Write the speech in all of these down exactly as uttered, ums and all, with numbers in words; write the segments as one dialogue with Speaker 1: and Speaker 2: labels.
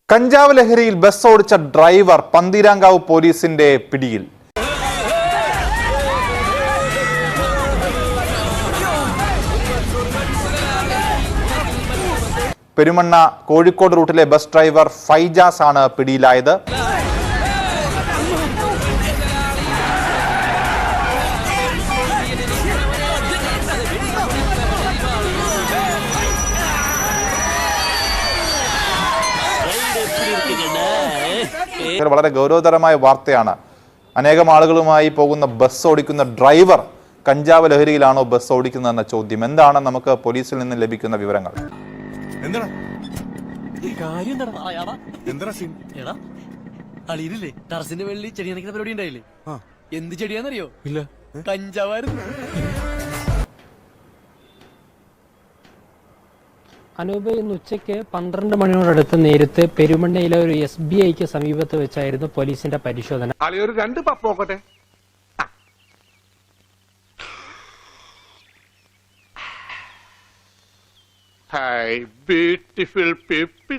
Speaker 1: കഞ്ചാവ് ലഹരിയിൽ ബസ് ഓടിച്ച ഡ്രൈവർ പന്തീരാങ്കാവ് പോലീസിന്റെ പിടിയിൽ. പെരുമണ്ണ കോഴിക്കോട് റൂട്ടിലെ ബസ് ഡ്രൈവർ ഫൈജാസ് ആണ് പിടിയിലായത്. വളരെ ഗൗരവതരമായ വാർത്തയാണ്. അനേകം ആളുകളുമായി പോകുന്ന ബസ് ഓടിക്കുന്ന ഡ്രൈവർ കഞ്ചാവ് ലഹരിയിലാണോ ബസ് ഓടിക്കുന്നതെന്ന ചോദ്യം. എന്താണ് നമുക്ക് പോലീസിൽ നിന്ന് ലഭിക്കുന്ന വിവരങ്ങൾ?
Speaker 2: ടെറസിന്റെ വെള്ളി ചെടി നനയ്ക്കുന്ന പരിപാടി ഉണ്ടായില്ലേ? എന്ത് ചെടിയാന്നറിയോ? ഇല്ല, കഞ്ചാവായിരുന്നു.
Speaker 3: അനൂപ് ഇന്ന് ഉച്ചയ്ക്ക് പന്ത്രണ്ട് മണിയോടടുത്ത് നേരത്തെ പെരുമണ്ണയിലെ ഒരു എസ് ബി ഐക്ക് സമീപത്ത് വെച്ചായിരുന്നു പോലീസിന്റെ പരിശോധന.
Speaker 4: രണ്ട് പപ്പോക്കട്ടെ. Hi beautiful people.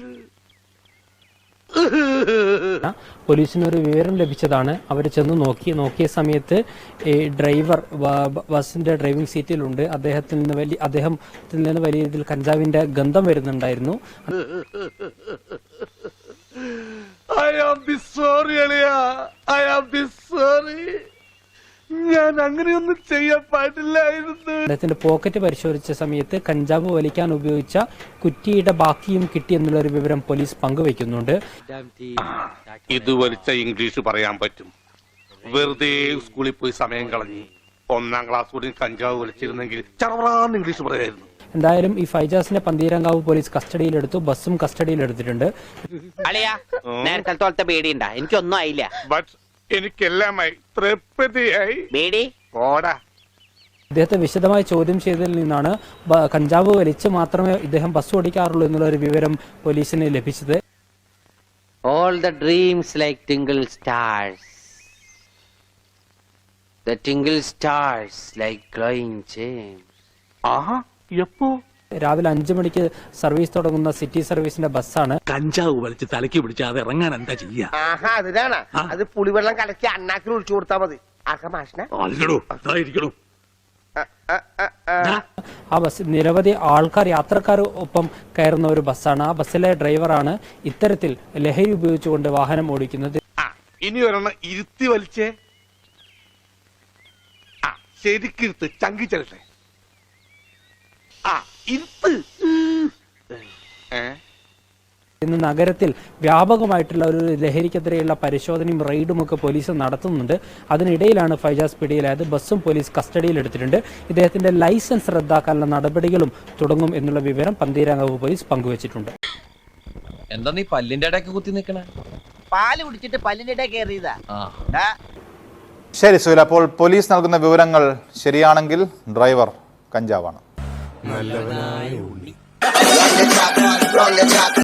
Speaker 3: പോലീസിനൊരു വിവരം ലഭിച്ചതാണ്. അവർ ചെന്ന് നോക്കി നോക്കിയ സമയത്ത് ഈ ഡ്രൈവർ ബസിന്റെ ഡ്രൈവിംഗ് സീറ്റിലുണ്ട്. അദ്ദേഹത്തിൽ നിന്ന് വലിയ അദ്ദേഹത്തിൽ നിന്ന് വലിയ രീതിയിൽ കഞ്ചാവിന്റെ ഗന്ധം വരുന്നുണ്ടായിരുന്നു.
Speaker 4: ഞാൻ അങ്ങനെയൊന്നും ചെയ്യാൻ പാടില്ലായിരുന്നു.
Speaker 3: അദ്ദേഹത്തിന്റെ പോക്കറ്റ് പരിശോധിച്ച സമയത്ത് കഞ്ചാവ് വലിക്കാൻ ഉപയോഗിച്ച കുറ്റിയുടെ ബാക്കിയും കിട്ടി എന്നുള്ള ഒരു വിവരം പോലീസ് പങ്കുവെക്കുന്നുണ്ട്.
Speaker 4: ഇത് വലിച്ച ഇംഗ്ലീഷ് പറയാൻ പറ്റും. വെറുതെ സ്കൂളിൽ പോയി സമയം കളഞ്ഞ് ഒന്നാം ക്ലാസ് കൂടി കഞ്ചാവ് വലിച്ചിരുന്നെങ്കിൽ ചറവറാന്ന് ഇംഗ്ലീഷ് പറയായിരുന്നു.
Speaker 3: എന്തായാലും ഈ ഫൈജാസിനെ പന്തീരാങ്കാവ് പോലീസ് കസ്റ്റഡിയിലെടുത്തു. ബസ്സും കസ്റ്റഡിയിലെടുത്തിട്ടുണ്ട്.
Speaker 5: എനിക്കൊന്നും ആയില്ല.
Speaker 4: എനിക്കെല്ലാമായി തൃപ്തിയായി.
Speaker 3: ഇദ്ദേഹത്തെ വിശദമായി ചോദ്യം ചെയ്തതിൽ നിന്നാണ് കഞ്ചാവ് വലിച്ച് മാത്രമേ ഇദ്ദേഹം ബസ് ഓടിക്കാറുള്ളൂ എന്നുള്ള ഒരു വിവരം പോലീസിന് ലഭിച്ചത്.
Speaker 5: All the dreams like tingle stars. The tingle stars like glowing gems.
Speaker 4: ആഹാ, എപ്പോ?
Speaker 3: രാവിലെ അഞ്ചു മണിക്ക് സർവീസ് തുടങ്ങുന്ന സിറ്റി സർവീസിന്റെ ബസ്സാണ്.
Speaker 2: കഞ്ചാവ് വലിച്ച് തലയ്ക്ക് പിടിച്ച് അത് ഇറങ്ങാൻ എന്താ ചെയ്യാ?
Speaker 6: അതിനാണ് അത് പുളിവെള്ളം കലക്കി അണ്ണാക്കിൽ ഒഴിച്ചു കൊടുത്താൽ മതി.
Speaker 3: ആ ബസ് നിരവധി ആൾക്കാർ യാത്രക്കാർ ഒപ്പം കയറുന്ന ഒരു ബസ്സാണ്. ആ ബസ്സിലെ ഡ്രൈവറാണ് ഇത്തരത്തിൽ ലഹരി ഉപയോഗിച്ചുകൊണ്ട് വാഹനം ഓടിക്കുന്നത്.
Speaker 4: ഇനി ഒരെണ്ണം ഇരുത്തി വലിച്ചേ. ശരിക്കിരുത്ത് ചങ്കി ചെല്ലട്ടെ.
Speaker 3: ഇന്ന് നഗരത്തിൽ വ്യാപകമായിട്ടുള്ള ഒരു ലഹരിക്കെതിരെയുള്ള പരിശോധനയും റെയ്ഡും ഒക്കെ പോലീസ് നടത്തുന്നുണ്ട്. അതിനിടയിലാണ് ഫൈജാസ് പിടിയിലായത്. ബസ്സും പോലീസ് കസ്റ്റഡിയിലെടുത്തിട്ടുണ്ട്. ഇദ്ദേഹത്തിന്റെ ലൈസൻസ് റദ്ദാക്കാനുള്ള നടപടികളും തുടങ്ങും എന്നുള്ള വിവരം പന്തീരാങ്കാവ് പോലീസ് പങ്കുവച്ചിട്ടുണ്ട്.
Speaker 7: എന്താ നീ പല്ലിന്റെ ഇടയ്ക്ക് കുത്തി നിൽക്കണേ?
Speaker 6: പാല് കുടിച്ചിട്ട് പല്ലിന്റെ ഇടയിൽ കയറിയതാ.
Speaker 1: ശരി സുഹൈൽ, അപ്പോൾ പോലീസ് നൽകുന്ന വിവരങ്ങൾ ശരിയാണെങ്കിൽ ഡ്രൈവർ കഞ്ചാവാണ്.